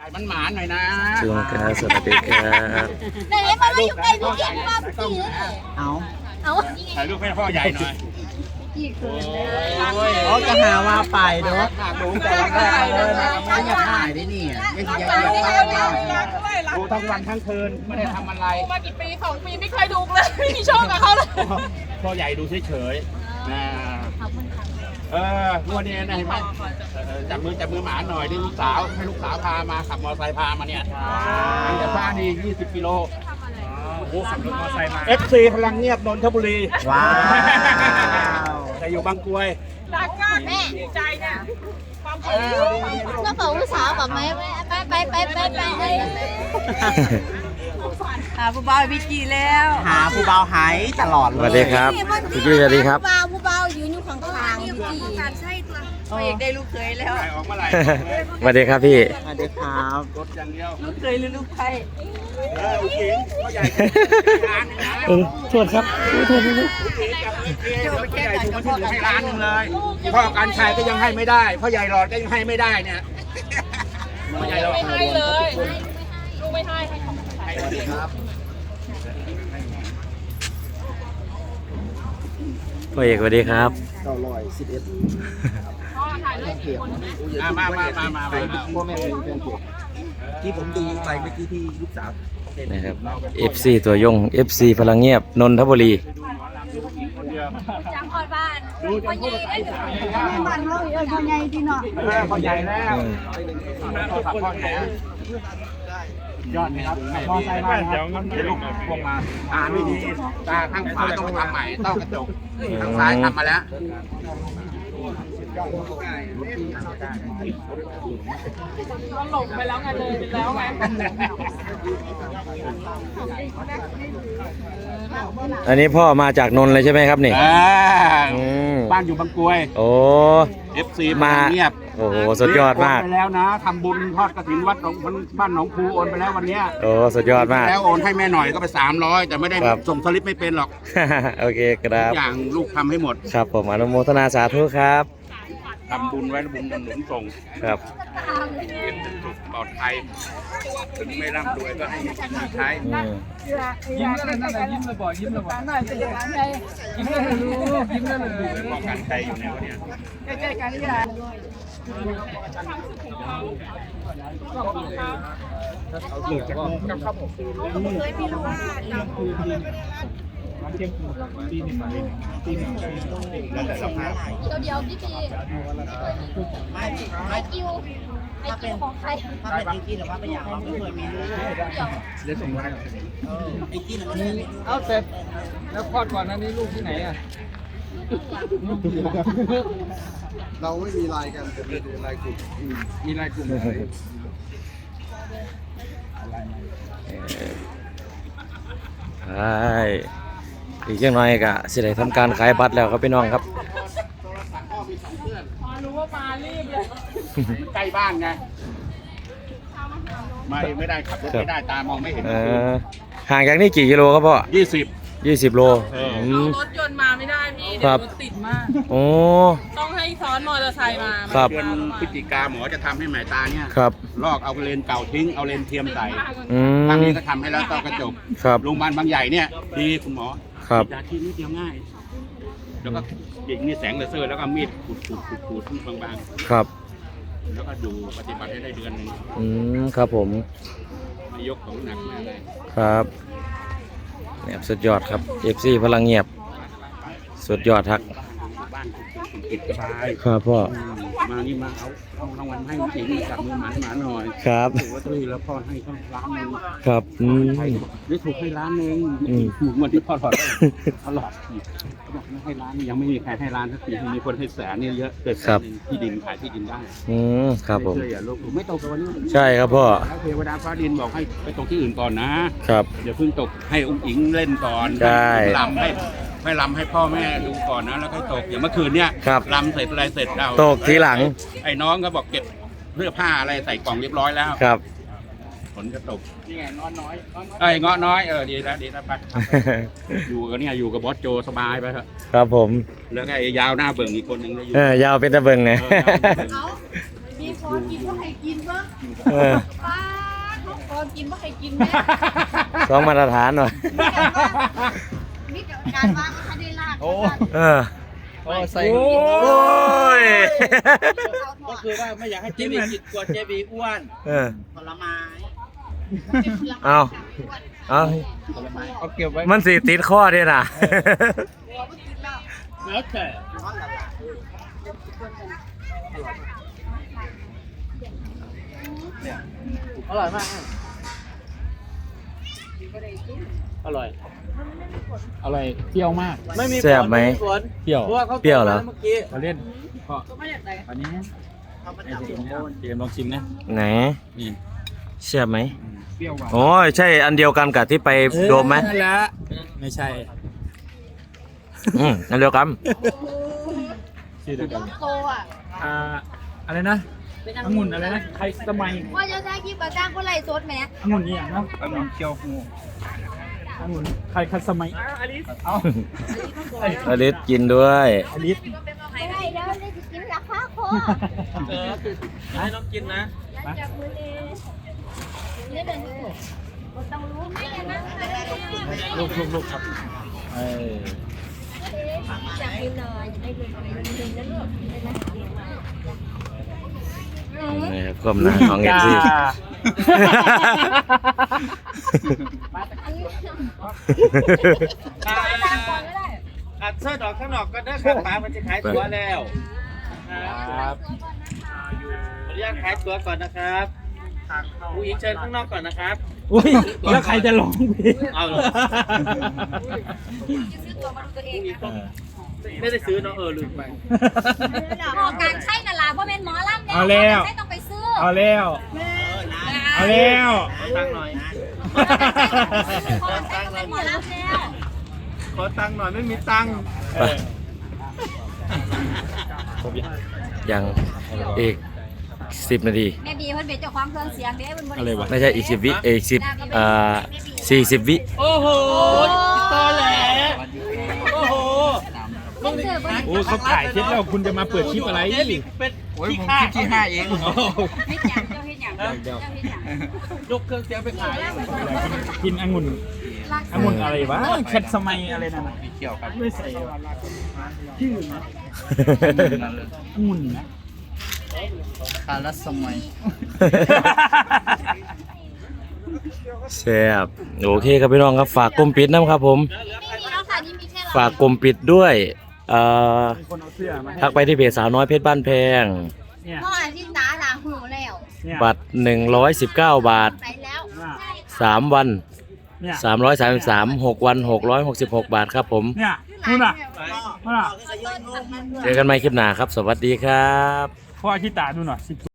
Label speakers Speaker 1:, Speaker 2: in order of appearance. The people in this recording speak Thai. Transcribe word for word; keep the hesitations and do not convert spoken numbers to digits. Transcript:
Speaker 1: มันหมานหน่อยนะ
Speaker 2: จุงครับสวัสดีครับ
Speaker 3: ไหนมาอยู่ใกล้พี่เก่งมาพี่เลยเอาเอา
Speaker 1: ถ่ายรูปให้พ่อใหญ่หน่อย
Speaker 3: พี่คืน
Speaker 4: เขาจะหาว่าไปเนาะดูแต่ละแรกเลยนะไม่อยากถ่ายได้นี่ยังอยากอยากถ่าย
Speaker 1: ดูทั้งวันทั้งคืนไม่ได้ทำอะไร
Speaker 5: มากี่ปีสองปีไม่เคยดูเลยไม่มีโชคกับเขาเลย
Speaker 1: พ่อใหญ่ดูเฉยๆนะเออวันนี้นะเห็นไหมจับมือจับมือหมาหน่อยดิลูกสาวให้ลูกสาวพามาขับมอเตอร์ไซค์พามาเนี่ยทางจากบ้านนี่ยี่สิบกิโลโอ้โหขับรถมอเตอร์ไซค์มา เอฟ ซี พลังเงียบนนทบุรี
Speaker 4: ว้าว
Speaker 1: แต่อยู่บางกรวย
Speaker 5: รักมากแม่ดีใจเนี่ยความสุข
Speaker 3: แล้วบอกลูกสาวแบบไหมไปไปไปไปไปไป
Speaker 5: หาผู้บ่าวพี่จีแล้ว
Speaker 4: หาผู้เบาหายตลอด
Speaker 2: ส
Speaker 4: เลย
Speaker 2: วัสดีครับพี่จุ้ยสวัสดีครับ
Speaker 3: ผู้เบาผู้เบายืนอยู่ข้างๆพี่จี
Speaker 5: การใช่ตัวตัวเอกได้ลูกเคยแล้ว
Speaker 1: ถ่ายออกเมื่อไหร่
Speaker 2: สวัสดีครับพี่
Speaker 4: สวัสดีครับ
Speaker 1: รถอย่างเดียว
Speaker 5: ลูกเคยหรือลูกใคร
Speaker 1: เออลูกหญิงพ่อใหญ่ร้านหนึงนะ
Speaker 2: เออโทษครับโทษโทษ
Speaker 1: ลูกหญิงกับลูกเดี๋ยวพ่อใหญ่ถูกมาที่เหลือให้ร้านหนึงเลยพ่อการชัยก็ยังให้ไม่ได้พ่อใหญ่หลอดก็ยังให้ไม่ได้เนี่ยพ่อใหญ่หลอด
Speaker 5: ไม่ให้เลยลูกไม่ให้ให้ของใคร
Speaker 1: สวัสดีครับ
Speaker 2: พ่อเอกสวัสดีครับ
Speaker 4: เก้าร้อยสิบเอ็ด
Speaker 5: พ่อถ่ายรูปคนไหม
Speaker 1: มามามามามา
Speaker 4: พ่อแม่เป็นแฟนเพจที่ผมดูไปเมื่อกี้ที่ลูกสาว
Speaker 2: นะครับ เอฟ ซี ตัวยง เอฟ ซี พลังเงียบนนทบุรี
Speaker 3: จังออดบ้าน
Speaker 1: ดูจะพูดภาษาอีสานไม่ได้
Speaker 3: บ้านเราเออพ่อใหญ่ที่เนาะ
Speaker 1: พ่อใหญ่แล้วโทรศัพท์พ่อใหญ่ยอดไหมครับพ่อใส่มาครับเดี๋ยวลูกพวงมาตาไม่ดีตาข้างขวาต้องทำใหม่ต้องกระจกข้างซ้ายทำมาแล้ว
Speaker 5: ก็หลงไปแล้วไงเลยไปแล้วไง
Speaker 2: อันนี้พ่อมาจากนนท์เลยใช่ไหมครับนี่
Speaker 1: อ่า
Speaker 2: อืม
Speaker 1: บ้านอยู่บางกรวย
Speaker 2: โอ้
Speaker 1: เอฟ ซี
Speaker 2: มา
Speaker 1: เงียบ
Speaker 2: โอ้โหสุดยอดมาก
Speaker 1: โอนไปแล้วนะทำบุญทอดกฐินวัดหนองบ้านหนองคูโอนไปแล้ววันเนี้ย
Speaker 2: โอ้สุดยอดมาก
Speaker 1: แล้วโอนให้แม่หน่อยก็ไปสามร้อยแต่ไม่ได้
Speaker 2: ครับ
Speaker 1: ส่งสลิปไม่เป็นหรอก
Speaker 2: โอเคครับ
Speaker 1: ทุกอย่างลูกทำให้หมด
Speaker 2: ครับผมอนุโมทนาสาธุครับ
Speaker 1: ทำบุญไว้บุญหนุนส่ง
Speaker 2: ครับ
Speaker 1: เป็นสุขปลอดภัยถึงไม่ร่ำรวยก็ให้มีกินมีใช้
Speaker 2: อืม
Speaker 5: ยิ้มเลยนั่นแหละยิ้มเลยบ่อยยิ้มเลยบ่อยหน่อยจะอย่างนั้นไงยิ้มเลยรู้ยิ้มเลยรู้
Speaker 1: ป้องกันใจอยู่ในวันเนี้ย
Speaker 5: ใกล้ๆกันนี่แหละ
Speaker 1: แล้วแต่สภาพ
Speaker 3: เดี๋ยวเดี๋ยวพี่จีไอคิวไอคิวของใคร
Speaker 4: ถ้าเป็นไอ้กี้หรือว่าไม่อยากเราไม่เคยมีลูก
Speaker 1: เดี๋ยวส่งมาให้
Speaker 4: ไอ้กี้มันไม่มี
Speaker 6: เอาเสร็จแล้วคลอดก่อนอันนี้ลูกที่ไหนอ่ะ
Speaker 7: เราไม่มีไลน์กันแต่เป็นไลน์กลุ่มมีไลน์กลุ่มอะไร
Speaker 2: ใช่อีกอย่างน้อยก็สิได้ทำการขายบัตรแล้วครับพี่น้องครับ
Speaker 5: พอรู้ว่ามารีบเลย
Speaker 1: ใกล้บ้านไงมาเองไม่ได้ขับรถไม่ได้ตามองไม่เห็น
Speaker 2: เออห่างจากนี่กี่กิโลครับพ่อ
Speaker 1: ยี่สิบ
Speaker 2: ยี่สิบโล
Speaker 1: เออ
Speaker 2: อืม
Speaker 5: รถยนต์มาไม่ได้พี่
Speaker 2: ครั
Speaker 5: เดี๋ยว
Speaker 2: บ
Speaker 5: รถติดมาก
Speaker 2: โอ้
Speaker 5: ต้องให้ซ้อนมอเตอร์ไซค์มา
Speaker 2: ครับ
Speaker 1: เดือนพฤศจิกาหมอจะทำให้หมายตาเนี่ย
Speaker 2: ครับ
Speaker 1: ลอกเอาเลนส์เก่าทิ้งเอาเลนส์เทียมใส่
Speaker 2: อื
Speaker 1: ทาง
Speaker 2: ม
Speaker 1: นี้ก็ทำให้แล้วต้อกระจก
Speaker 2: ครับ
Speaker 1: โรงพยาบาลบางใหญ่เนี่ยดีคุณหมอ
Speaker 2: ครับ
Speaker 1: ยาที่นิดเดียวง่าย แล้วก็ยิงนี่แสงเลเซอร์แล้วก็มีดขูดขูดขูดขูดบาง
Speaker 2: ครับ
Speaker 1: ๆแล้วก็อยู่ปฏิบัติให้ได้เดือนหนึ่ง
Speaker 2: อืมครับผม
Speaker 1: ไม่ยกของหนักมาเลย
Speaker 2: ครับเนี่ยสุดยอดครับ เอฟ ซี พลังเงียบ สุดยอดทัก
Speaker 1: บ้านคุณกิจสบาย
Speaker 2: ครับพ่อ
Speaker 1: อืมมานี่มาเอาเอารางวัลให้จริงจับมือหมาหมาหน่อย
Speaker 2: ครับ
Speaker 1: ถูกลอตเตอรี่แล้วพ่อให้เขาล้านหนึ่ง
Speaker 2: ครับอืม
Speaker 1: ได้ถูกให้ล้านหนึ่ง
Speaker 2: อืม
Speaker 1: ถูกเงินที่พ่อหลอดได้พ่อหลอดเขาบอกไม่ให้ล้านยังไม่มีใครให้ล้านสักทีมีคนให้แสนเนี่ยเยอะเกิดแสนหนึ่งที่ดินขายที่ดินได้
Speaker 2: อืมครับผม
Speaker 1: ไเชื่ออย่าลบหลู่ไม่ตกกับวันนี้
Speaker 2: ใช่ครับพ่อ
Speaker 1: แล้วเทวดาฟ้าดินบอกให้ไปตกที่อื่นก่อนนะครับ เดี๋ยวเพิ่งตกให้อุ้งอิงเล่นก่อน
Speaker 2: ใช่
Speaker 1: ลำให้ให้ลำให้พ่อแม่ดูก่อนนะแล้วค่อยตกอย่างเมื่อคืนเนี่ย
Speaker 2: ครับ
Speaker 1: ลำเสร็จอะไรเสร็จเรา
Speaker 2: ตกทีหลัง
Speaker 1: ไอ้น้องก็บอกเก็บเสื้อผ้าอะไรใส่กล่องเรียบร้อยแล้ว
Speaker 2: ครับ
Speaker 1: ฝนก็ตกนี่ไงงอน้อยเอ้ยงอน้อยเออดีแล้วดีแล้วไปอยู่กับเนี่ยอยู่กับบอสโจสบายไปเถอะ
Speaker 2: ครับผม
Speaker 1: แล้วก็ไอ้ยาวหน้าเบิ่งอีกคนหนึงก็อยู่
Speaker 2: เออยาวเป็นตะเบิงไง
Speaker 1: เออยาวหน้าเบิ่ง
Speaker 3: มีคนกินก็ให้กินบ้าง
Speaker 2: เออ
Speaker 3: ป้าอนกินว่าใครกินแม่
Speaker 2: สองมาตรฐานหน่อย
Speaker 3: มีการว่าเขาได้ลาก
Speaker 4: โอ้
Speaker 2: เออ
Speaker 4: โอ้ใส่
Speaker 2: โอ้ย
Speaker 4: ก็คือว่าไม่อยากให้เจบีกินกลัวเจบีอ้วน
Speaker 2: เออ
Speaker 4: ผลไม้
Speaker 2: เอาเอา
Speaker 6: เอาเก็บไว้
Speaker 2: มันสิติดข้อด้วยนะ
Speaker 4: แล้วแต่ อร่อยมากอร่อย
Speaker 6: อร่อยเปรี้ยวมาก
Speaker 4: ไม่มี
Speaker 2: แซ่บไหม
Speaker 4: ฝน
Speaker 6: เปรี้ยว
Speaker 4: เพราะว่าเขา
Speaker 2: เปรี้ยวเหรอ
Speaker 4: เมื่อกี้
Speaker 6: มาเล่นก็อันนี้เตรียมลองชิมนะ
Speaker 2: ไหน
Speaker 6: นี่
Speaker 2: เชื่อไหม
Speaker 6: เปรี้ยวหวาน
Speaker 2: โอ้ยใช่อันเดียวกันกับที่ไปโดมไหม
Speaker 6: นั่นแหละไม่ใช่
Speaker 2: อืมอันเดียวกัน
Speaker 6: ชื่อเดียวกัน
Speaker 3: โตอ่ะ
Speaker 6: อ่าอะไรนะองุ่นอะไรนะใครสมัย
Speaker 3: ว่าจะใช้คลิปกับจ้างคนไล่สดไหม
Speaker 6: องุ่นนี่อย่างเนาะองุ่นเคียวฟูองุ่นใครคัดสมัยอลิสเอา
Speaker 2: อลิสกินด้วย
Speaker 6: อลิส
Speaker 3: ไม่ได้แล้วได้กินราคาคอ
Speaker 4: เออให้น้องกินนะ
Speaker 3: แล้วจับมือเองเนี่ยเดินต้องรู้ไหมนะ
Speaker 6: ลูกลูกลูกครับเออ
Speaker 3: จับมือหน่อยได้เลยเลยนะลูก
Speaker 2: นี่ครับความหนาของเอฟซี
Speaker 4: อัดเสื้อดอกข้างนอกก็ได้ครับป้ามันจะขายตัวแล้วครับขออนุญาตขายตัวก่อนนะครับผู้หญิงเชิญข้างนอกก่อนนะครับ
Speaker 6: อุ้ยแล้วใครจะลองเพลง
Speaker 4: เอาเหรอไม่ได้ซื้อเนาะเออลืมไป
Speaker 3: หมอการใช่น่ะล่ะเพราะเป็นหมอลำใช่ต้องไปซื้อ
Speaker 6: เอาแล้วเอาแล้ว
Speaker 4: ตังค์หน่อย
Speaker 3: พอใช่ต้องเป็นหมอลำแล้ว
Speaker 4: ขอตังค์หน่อยไม่มีตังค์
Speaker 2: ยังอีกสิบนาที
Speaker 3: แม่บีเพิ่นเป็นเจ้าของเครื่องเสียงเด้เพิ่นบ่
Speaker 6: อะไรวะ
Speaker 2: ไม่ใช่อีกสิบวิเอกสิบอ่าสี่สิบวิ
Speaker 4: โอ้โหตอแหลโอ้โห
Speaker 3: ต้องซื้อบ่
Speaker 6: โอ้เขาถ่ายคลิปแล้วคุณจะมาเปิดคลิปอะไร
Speaker 4: เจลิเป็นที่ค่าที่ห้าเอง
Speaker 3: เฮ็ดหยังเจ้าเฮ็ดหยังเจ้าเฮ็ดหยัง
Speaker 4: ยกเครื่องเสียงไปขาย
Speaker 6: กินองุ่นองุ่นอะไรวะแคทสมัยอะไรนั่นน่ะ
Speaker 4: เกี่ยวครับ
Speaker 6: ไม่ใส่ชื่อนะองุ่นนะ
Speaker 4: คารัสมัย
Speaker 2: แซ่บโอเคครับพี่น้องครับฝากกลุ่มปิดนะครับผม
Speaker 3: นี่แล้วค่ะนี่มีแค่เรา
Speaker 2: ฝากกลุ่มปิดด้วยเอ่อ
Speaker 6: มีคนเอาเสื้อมาให้
Speaker 2: ทักไปที่เพจสาวน้อยเพชรบ้านแพง
Speaker 6: เนี่ย
Speaker 3: พ่อที่ตาตาหูแล้ว
Speaker 6: เนี่ย
Speaker 2: บัตรหนึ่งร้อยสิบเก้าบาท
Speaker 3: ไปแล้ว
Speaker 2: สามวัน
Speaker 6: เนี่ย
Speaker 2: สามร้อยสามสิบสาม หกวันหกร้อยหกสิบหกบาทครับผม
Speaker 6: เนี่ยนู่นน่ะนู่นน่ะ
Speaker 2: เจอกันใหม่คลิปหน้าครับ สวัสดีครับ
Speaker 6: พ่ออาชิตาดูหน่อยสิบ